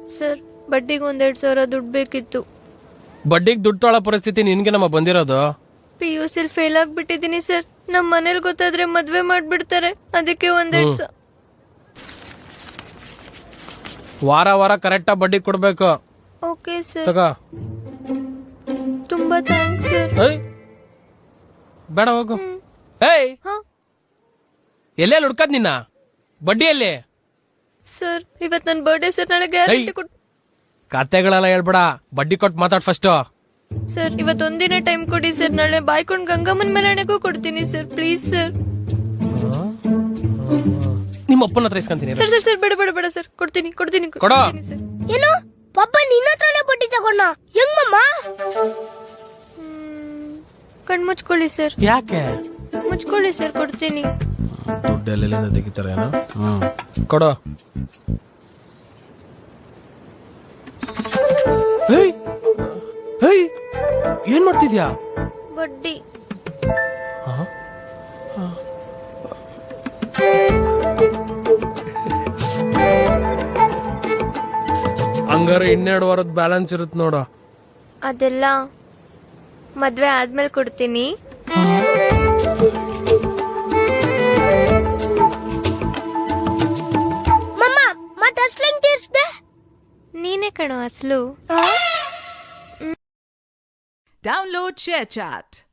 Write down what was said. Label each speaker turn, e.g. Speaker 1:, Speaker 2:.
Speaker 1: Sir ಬಡ್ಡಿಗೆ 1,200 ದುಡ್ಡು ಬೇಕಿತ್ತು.
Speaker 2: ಬಡ್ಡಿಗೆ ದುಡ್ಡು ತೊಗೊಳ್ಳೋ ಪರಿಸ್ಥಿತಿ ನಿನ್ಗೆ ನಮ್ಮ ಬಂದಿರೋದು.
Speaker 1: PUC ಫೇಲ್ ಆಗ್ಬಿಟ್ಟಿದೀನಿ ಸರ್. ನಮ್ಮ ಮನೇಲಿ ಗೊತ್ತಾದ್ರೆ ಮದ್ವೆ ಮಾಡ್ಬಿಡ್ತಾರೆ. ಅದಕ್ಕೆ 1,200.
Speaker 2: ವಾರ ವಾರ ಕರೆಕ್ಟಾಗಿ ಬಡ್ಡಿ ಕೊಡ್ಬೇಕು.
Speaker 1: Okay sir.
Speaker 2: ತಗೋ.
Speaker 1: ತುಂಬಾ ಥ್ಯಾಂಕ್ಸ್ ಸರ್.
Speaker 2: ಏಯ್ ಬೇಡ ಹೋಗು. ಏಯ್
Speaker 1: ಹಾ
Speaker 2: ಎಲ್ಲೆಲ್ಲಿ ಹುಡ್ಕದ್ ನಿನ್ನ ಬಡ್ಡಿಯಲ್ಲಿ?
Speaker 1: ಸರ್ ಇವತ್ ನನ್ನ ಬರ್ಡೇ ಸರ್. ನಾಳೆ ಗ್ಯಾರಂಟಿ ಕೊಟ್ಟು.
Speaker 2: ಕತೆಗಳೆಲ್ಲ ಹೇಳ್ಬೇಡ, ಬಡ್ಡಿ ಕೊಟ್ಟು ಮಾತಾಡ್ ಫಸ್ಟ್.
Speaker 1: ಸರ್ ಇವತ್ತು ಒಂದಿನ ಟೈಮ್ ಕೊಡಿ ಸರ್. ನಾಳೆ ಬಾಯ್ಕೊಂಡು ಗಂಗಮ್ಮನ ಮೆರವಣಿಗೆಗೂ ಕೊಡ್ತೀನಿ ಸರ್. Please sir.
Speaker 2: ನಿಮ್ಮ ಅಪ್ಪನ ಹತ್ರ ಇಸ್ಕೊಂತೀನಿ.
Speaker 1: ಸರ್ ಸರ್ ಸರ್ ಬೇಡ ಬೇಡ ಬೇಡ ಸರ್. ಕೊಡ್ತೀನಿ ಕೊಡ್ತೀನಿ
Speaker 2: ಕೊಡೋ.
Speaker 1: ಸರ್.
Speaker 3: ಏನು ಪಾಪ ನಿನ್ನ ಹತ್ರನೇ ಬಡ್ಡಿ ತಗೊಂಡ ಹೆಂಗಮ್ಮ?
Speaker 1: ಕಣ್ ಮುಚ್ಕೊಳ್ಳಿ ಸರ್.
Speaker 2: ಯಾಕೆ?
Speaker 1: ಮುಚ್ಕೊಳ್ಳಿ ಸರ್, ಕೊಡ್ತೀನಿ.
Speaker 2: ದುಡ್ಡು ಎಲ್ಲೆಲ್ಲಿಂದ ತೆಗಿತಾರೇನೋ. ಕೊಡೋ. ಏನ್ ಮಾಡ್ತಿದ್ಯಾ?
Speaker 1: ಬಡ್ಡಿ.
Speaker 2: ಹಂಗಾರೆ 12 ವಾರದ ಬ್ಯಾಲೆನ್ಸ್ ಇರುತ್ತೆ ನೋಡು.
Speaker 1: ಅದೆಲ್ಲ ಮದ್ವೆ ಆದ್ಮೇಲೆ ಕೊಡ್ತೀನಿ.
Speaker 3: ಮಮ್ಮ ಮತ್ತೆ ಅಸ್ಲು ಹೆಂಗ್ ತೀರ್ಸ್ದೆ?
Speaker 1: ನೀನೇ ಕಣೋ ಅಸ್ಲು.
Speaker 4: Download ShareChat.